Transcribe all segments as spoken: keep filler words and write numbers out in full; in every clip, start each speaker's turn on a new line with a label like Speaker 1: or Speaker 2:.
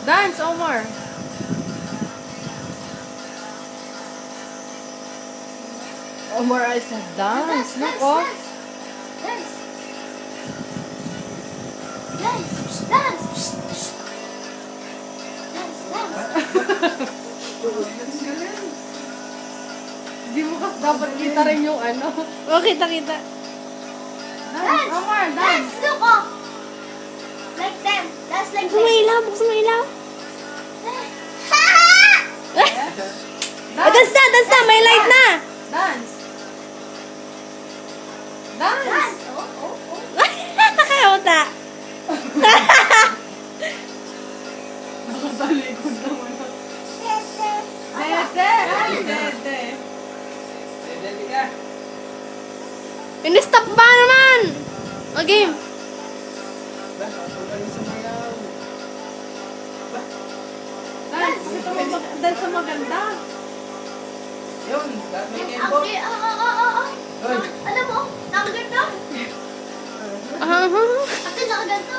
Speaker 1: Dance, Omar. Omar, I said dance. Look, oh.
Speaker 2: Dance. Dance. Dance. Dance. Dance.
Speaker 1: Di mo kasi dapat kita rin yung ano.
Speaker 3: Oh, kita-kita.
Speaker 1: Dance, Omar,
Speaker 2: Dance.
Speaker 1: dance.
Speaker 2: Look, oh. Like them. Dance like
Speaker 3: Buksan mo
Speaker 2: them.
Speaker 3: ilaw, buksan mo ilaw.
Speaker 1: Dance.
Speaker 3: Ah, dance na, dance na, may light na.
Speaker 1: Dance. Dance.
Speaker 2: Dance. Oh, oh, oh.
Speaker 3: Kakauta.
Speaker 1: Nakatalikod naman ako. Dede. Ay, dede. Dede ka.
Speaker 3: Ini-stop ba naman? O, game.
Speaker 1: Dance. Gusto mo mag- dance sa maganda.
Speaker 4: Yun, may
Speaker 2: Okay,
Speaker 4: kempo.
Speaker 2: oh, oh, oh, oh, oh.
Speaker 4: Hoy.
Speaker 2: Alam mo, nakaganto.
Speaker 3: Ah,
Speaker 2: Ate, nakaganto.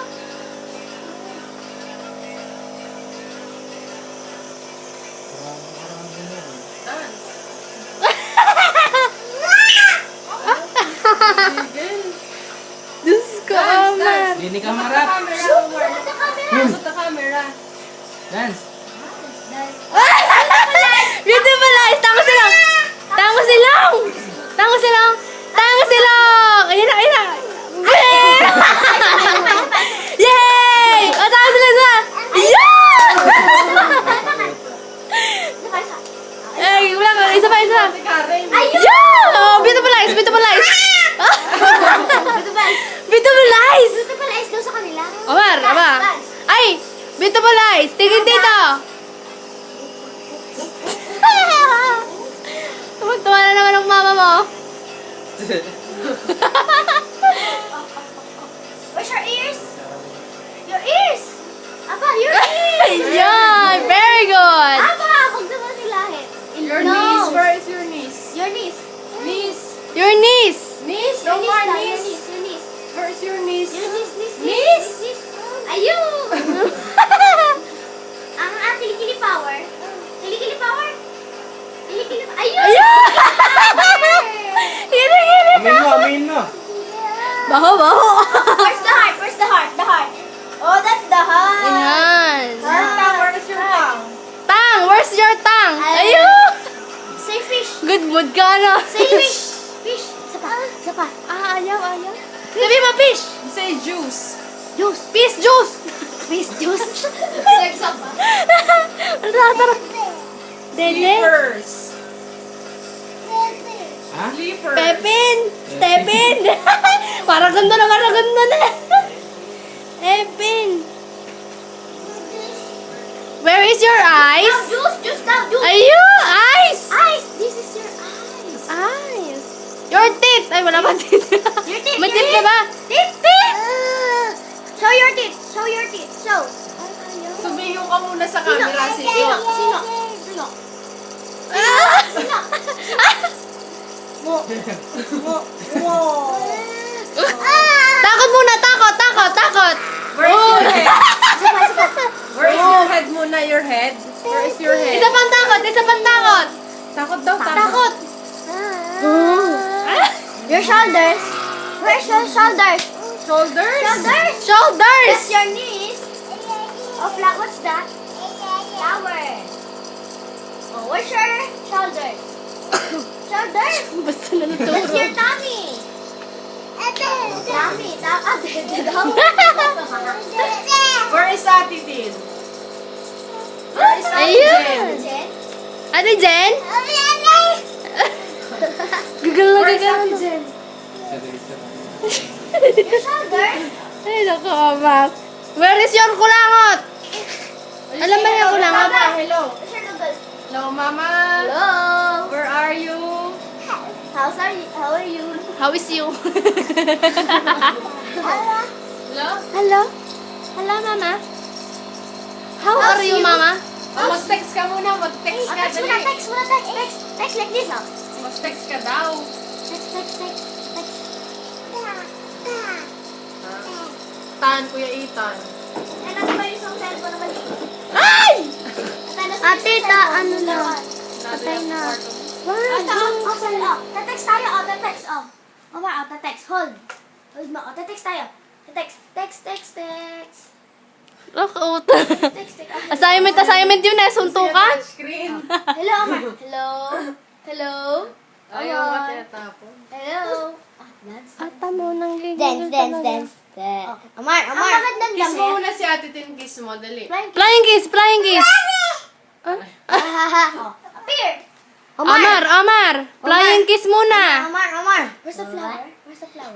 Speaker 1: Dance.
Speaker 3: Diyos ko, Omar.
Speaker 4: Dini ka
Speaker 1: Look at the
Speaker 4: marap.
Speaker 1: camera, Omar.
Speaker 2: Look at the camera.
Speaker 1: Look at the camera.
Speaker 4: Dance.
Speaker 2: Dance.
Speaker 3: Beautiful eyes. Tango silang. Tango silang. Tango silang. Tango silang. Ayun na, ayun na. Yay! O, tango silang sa. Yeah! Eh, wala ka. Isa pa, isa pa.
Speaker 1: Si Karen.
Speaker 3: Yeah! Oh, beautiful eyes. Beautiful eyes.
Speaker 2: Ito ba?
Speaker 3: Beautiful eyes.
Speaker 2: Ito pala is daw sa kanila.
Speaker 3: Omar,
Speaker 2: Dance,
Speaker 3: aba.
Speaker 2: dance.
Speaker 3: Ay, beautiful eyes. Tingin dito. Tuwa na naman ang mama mo.
Speaker 2: Where's your ears? Your ears! Aba, your ears!
Speaker 3: Yan, very good.
Speaker 2: Aba, huwag naman nilahin.
Speaker 1: Your
Speaker 2: No.
Speaker 1: knees. Where is your knees?
Speaker 2: Your knees.
Speaker 1: Knees.
Speaker 3: Your knees.
Speaker 1: Knees.
Speaker 2: Your
Speaker 1: No
Speaker 2: knees
Speaker 1: more
Speaker 2: daw, your
Speaker 1: knees.
Speaker 2: knees, your knees.
Speaker 1: Where is your knees?
Speaker 2: Your knees, knees,
Speaker 1: Knees.
Speaker 2: knees. Ayun! Ang ang kilikili power. Kilikili power. Kilikili power. Ayun!
Speaker 3: Ayun! Hili-hili
Speaker 4: Amin mo, amin mo.
Speaker 3: Baho, baho.
Speaker 2: Where's the heart? Where's the heart? The heart. Oh, that's the heart.
Speaker 3: Ayan.
Speaker 1: Your tongue. Where is your tongue?
Speaker 3: Tang, where's your tongue?
Speaker 2: Ay.
Speaker 3: Ayun.
Speaker 2: Say fish.
Speaker 3: Good mood ka, no?
Speaker 2: Say fish. Fish. Isa pa. Isa pa.
Speaker 3: Ah, ayaw, ayaw. Sabi mo, fish.
Speaker 1: You say juice.
Speaker 3: Juice. Fish juice.
Speaker 2: Fish juice.
Speaker 1: Sex up.
Speaker 3: Ano tara, tara. Dede.
Speaker 1: Sleepers.
Speaker 4: Ha?
Speaker 1: Sleepers.
Speaker 3: Pepin. Stepin. Parang ganda na, parang ganda na. Epin. Where is your
Speaker 2: Now,
Speaker 3: eyes?
Speaker 2: juice. Juice now. Juice.
Speaker 3: Ayun, eyes.
Speaker 2: Eyes. This is your eyes.
Speaker 3: Eyes. Your teeth. Ay, wala pa teeth.
Speaker 2: Your teeth.
Speaker 3: May
Speaker 2: your
Speaker 3: teeth ka ba?
Speaker 2: Teeth. Teeth. Show your teeth. Show your teeth. Show.
Speaker 1: Sumiyo ka muna sa
Speaker 2: Sino?
Speaker 1: camera.
Speaker 2: Sino?
Speaker 1: Sino?
Speaker 2: Sino? Sino?
Speaker 3: Ah!
Speaker 2: Sino? Mo. Mo. Mo.
Speaker 3: Takot muna, takot, takot, takot.
Speaker 1: Where is your head?
Speaker 2: Isa pa, isa pa.
Speaker 1: Where is your head muna? Your head? Where is your head?
Speaker 3: Isa pang takot, isa pang takot.
Speaker 1: Takot daw, takot.
Speaker 3: Takot.
Speaker 2: Your shoulders. Where's your shoulders?
Speaker 1: Shoulders?
Speaker 2: Shoulders.
Speaker 3: Shoulders.
Speaker 2: That's your knees. Oh, flat. What's that? Tower. Oh, where's your shoulders? Shoulders.
Speaker 3: Basta na
Speaker 2: That's
Speaker 3: naturo.
Speaker 2: your tummy. Tummy. Ta- ah, dede daw.
Speaker 1: Where is Ate Tin? Where is Ate
Speaker 3: Ayun.
Speaker 1: Jen?
Speaker 2: Jen?
Speaker 3: Ate Jen? Gagal na
Speaker 1: Where is
Speaker 3: gagal.
Speaker 1: Ate Jen?
Speaker 2: Your shoulders.
Speaker 3: Ay, naku, amak. Where is your kulangot? Alam ba yung kulangot?
Speaker 1: Mama, hello.
Speaker 2: Where's your noodles?
Speaker 1: Hello, Mama.
Speaker 2: Hello.
Speaker 1: Where are you?
Speaker 2: How's are you? How are you?
Speaker 3: How is you?
Speaker 2: Hello.
Speaker 1: Hello?
Speaker 3: Hello? Hello, mama? How
Speaker 2: How's
Speaker 3: are you,
Speaker 2: you?
Speaker 3: mama?
Speaker 1: Oh, mag-text ka muna. Mag-text
Speaker 2: Oh,
Speaker 1: ka.
Speaker 2: text muna,
Speaker 1: Dali.
Speaker 2: text muna, text, text. Text like this, oh.
Speaker 1: Mag-text ka daw.
Speaker 2: Text, text, text, text.
Speaker 1: Tan, Kuya Ethan.
Speaker 2: Yan, ano ba yung isang cellphone na maliit?
Speaker 3: Ah!
Speaker 2: Ate, ta, ano na?
Speaker 1: Patay na.
Speaker 2: Ah, ta, oh, sorry, oh. Te-text tayo, oh, te-text, oh. Omar, oh, te-text, hold. Hold mo, oh, te-text tayo. Te-text, text, text, text.
Speaker 3: Look out.
Speaker 2: Text, text. Oh,
Speaker 3: Assignment, assignment yun eh. Suntukan.
Speaker 1: Screen.
Speaker 2: hello, Omar. Hello. Hello.
Speaker 1: Ayaw
Speaker 2: Omar.
Speaker 1: ka tinatapon.
Speaker 2: Hello. Ah, dance.
Speaker 3: Ata mo nang
Speaker 2: Dance, dance, dance. Omar, Omar. Ang magandang
Speaker 1: Kiss mo
Speaker 2: damit.
Speaker 1: muna si Ate Tin, kiss mo, dali.
Speaker 2: Flying
Speaker 3: Flying kiss, flying kiss.
Speaker 2: oh, appear.
Speaker 3: Amar, Amar. Flying kiss muna.
Speaker 2: Omar, Omar. Where's the flower? Where's the flower?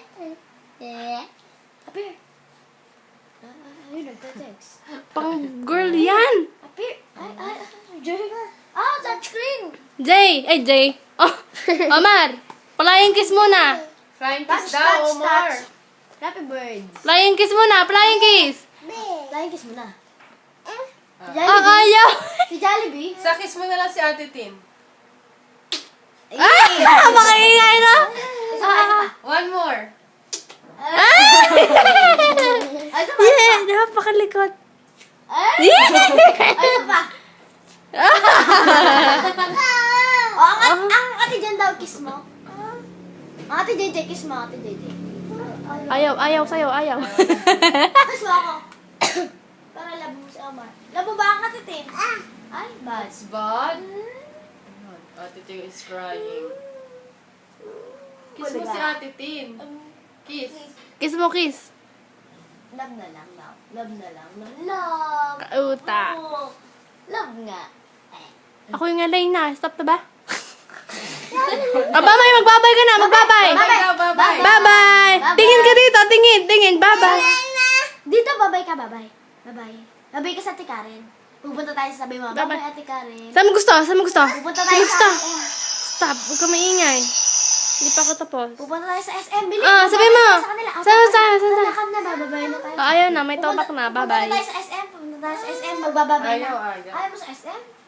Speaker 2: Appear. Ah, yun, nagte-text.
Speaker 3: Pang girl yan.
Speaker 2: Appear. Ay, ay, ay. Jay. Ah, touch screen.
Speaker 3: Jay, ay Jay. Oh, Amar. Flying kiss muna.
Speaker 1: Flying
Speaker 2: Touch,
Speaker 1: kiss daw,
Speaker 2: touch,
Speaker 1: Omar.
Speaker 2: touch. Happy birds.
Speaker 3: Flying kiss muna, flying kiss.
Speaker 2: Flying kiss mo na. Si
Speaker 3: Ah,
Speaker 2: Jollibee.
Speaker 3: ayaw.
Speaker 2: Si Jollibee.
Speaker 1: Sa kiss mo na lang si Ate Tin.
Speaker 3: Ah, makaingay na.
Speaker 2: Isa pa, isa pa.
Speaker 1: One more.
Speaker 3: Ay!
Speaker 2: Ay, isa pa.
Speaker 3: Yeah, napakalikot.
Speaker 2: Ay, ay, isa pa. Oh, ang, ang, ang ate dyan daw, kiss mo. Ang ate J J, kiss mo, ate J J.
Speaker 3: Ayaw, ayaw sa'yo, ayaw.
Speaker 2: Kiss mo ako. Para labo mo si Omar. Labo ba ang ate Tin? Ay, bad.
Speaker 1: It's bad. Ate Tin is crying. Kiss mo si Ate Tin. Kiss.
Speaker 3: Kiss mo, kiss.
Speaker 2: Love na lang, love. Love na lang, love. Love.
Speaker 3: Kauta.
Speaker 2: Oo. Love nga.
Speaker 3: Ako yung alay na. Stop na ba? Ah, babay, magbabay ka na, magbabay.
Speaker 1: Bye daw, bye-bye.
Speaker 3: Bye-bye. Tingin ka dito, tingin, tingin. Bye-bye.
Speaker 2: Dito, babay ka, babay. Babay. Babay ka sa Ate Karen. Pupunta tayo sa sabi mo.
Speaker 3: Babay.
Speaker 2: Babay, Ate Karen.
Speaker 3: Saan mo gusto? Saan mo gusto?
Speaker 2: Pupunta
Speaker 3: Saan
Speaker 2: tayo
Speaker 3: mo gusto?
Speaker 2: sa S M.
Speaker 3: Stop, huwag ka maingay. Hindi pa ako tapos.
Speaker 2: Pupunta tayo sa S M. Bilis.
Speaker 3: Ah, sabi
Speaker 2: babay
Speaker 3: mo.
Speaker 2: tayo sa kanila. Ah,
Speaker 3: Saan,
Speaker 2: babay.
Speaker 3: saan, saan,
Speaker 2: Lalakad na, bababay na tayo.
Speaker 3: Ah, ayaw na, may topak na.
Speaker 2: Pupunta
Speaker 3: Bye-bye.
Speaker 2: tayo sa S M. Pupunta tayo sa S M. Magbababay na.
Speaker 1: Ayaw, ayaw.
Speaker 2: Ayaw mo sa S M?